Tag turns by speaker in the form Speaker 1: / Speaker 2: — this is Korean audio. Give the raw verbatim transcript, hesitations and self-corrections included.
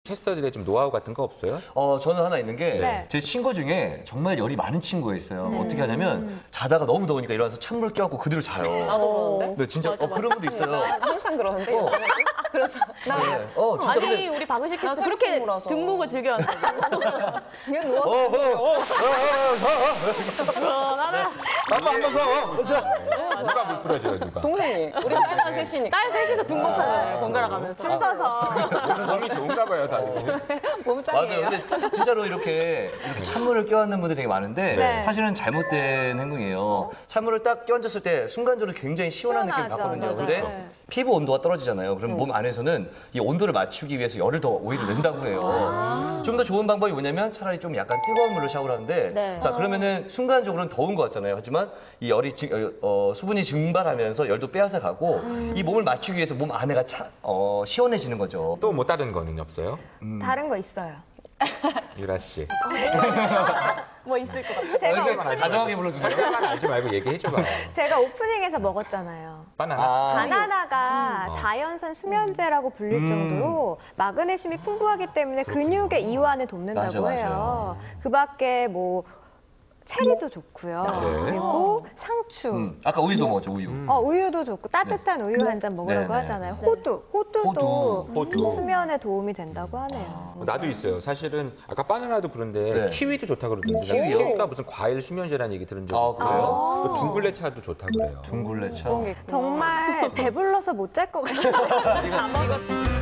Speaker 1: 캐스터들의 좀 노하우 같은 거 없어요?
Speaker 2: 어, 저는 하나 있는 게 제
Speaker 3: 네.
Speaker 2: 친구 중에 정말 열이 많은 친구가 있어요. 어떻게 하냐면 자다가 너무 더우니까 일어나서 찬물 껴안고 그대로 자요.
Speaker 4: 나도 그러는데?
Speaker 2: 네, 진짜 어, 그런 분도 있어요.
Speaker 4: 나 항상 그러는데.
Speaker 2: 어.
Speaker 4: 그래서 나
Speaker 2: 네. 어, 진짜
Speaker 3: 아니
Speaker 2: 근데
Speaker 3: 우리 박은식
Speaker 4: 나
Speaker 3: 캐스터 그렇게
Speaker 4: 생각해보라서.
Speaker 3: 등목을 즐겨한다고.
Speaker 4: 그냥
Speaker 2: 어,
Speaker 4: 누워서
Speaker 2: 어, 어, 어, 어, 어, 어.
Speaker 3: 나는
Speaker 2: 나도 한 번 더. 자.
Speaker 1: 누가 물 풀어줘요, 누가?
Speaker 4: 동생이 우리 딸만 셋이니까
Speaker 3: 딸 셋이서 등목하잖아요. 번갈아 가면서. 줄 서서.
Speaker 1: 몸이 좋은가 봐요, 다들.
Speaker 4: 몸짱이에요.
Speaker 2: 맞아요. 근데 진짜로 이렇게, 이렇게 찬물을 껴안는 분들이 되게 많은데
Speaker 3: 네.
Speaker 2: 사실은 잘못된 행동이에요. 찬물을 딱 껴안았을 때 순간적으로 굉장히 시원한 느낌을
Speaker 3: 시원하죠.
Speaker 2: 받거든요.
Speaker 3: 맞아요.
Speaker 2: 근데
Speaker 3: 네.
Speaker 2: 피부 온도가 떨어지잖아요. 그럼 몸 안에서는 이 온도를 맞추기 위해서 열을 더 오히려 낸다고 해요. 좀 더 좋은 방법이 뭐냐면 차라리 좀 약간 뜨거운 물로 샤워를 하는데
Speaker 3: 네.
Speaker 2: 자 그러면은 순간적으로는 더운 것 같잖아요. 하지만 이 열이 증- 어, 어, 수분이 증발하면서 열도 빼앗아 가고 이 몸을 맞추기 위해서 몸 안에가 차, 어, 시원해지는 거죠.
Speaker 1: 또 뭐 다른 거는 없어요?
Speaker 5: 다른 거 있어요.
Speaker 1: 유라 씨.
Speaker 3: 뭐 있을 것 같아요.
Speaker 5: 제가,
Speaker 2: 근데
Speaker 5: 오프닝,
Speaker 2: 다정하게 불러주세요.
Speaker 1: 살짝만 알지 말고 얘기해줘봐.
Speaker 5: 제가 오프닝에서 먹었잖아요.
Speaker 1: 바나나?
Speaker 2: 아,
Speaker 5: 바나나가
Speaker 1: 음.
Speaker 5: 자연산 수면제라고 불릴
Speaker 2: 음.
Speaker 5: 정도로 마그네슘이 풍부하기 때문에 근육의 이완을 돕는다고
Speaker 2: 맞아,
Speaker 5: 해요. 그 밖에 뭐 체리도 좋고요.
Speaker 1: 네.
Speaker 5: 그리고 상추,
Speaker 2: 음, 아까 우유도 먹었죠, 우유.
Speaker 5: 어, 우유도 좋고 따뜻한 우유 한 잔 먹으라고
Speaker 2: 네네.
Speaker 5: 하잖아요. 호두, 호두도
Speaker 1: 호두. 호두.
Speaker 5: 수면에 도움이 된다고 하네요.
Speaker 1: 나도 있어요. 사실은 아까 바나나도 그런데
Speaker 2: 네.
Speaker 1: 키위도 좋다 그러던데.
Speaker 2: 키위요?
Speaker 1: 키위가 무슨 과일 수면제라는 얘기 들은 적
Speaker 2: 아,
Speaker 1: 있고.
Speaker 2: 그래요?
Speaker 1: 또 둥글레 차도 좋다 그래요.
Speaker 2: 둥글레차.
Speaker 4: 그런 게 있구나.
Speaker 5: 정말 배불러서 못 잘 것 같아요.
Speaker 3: 다 먹었지.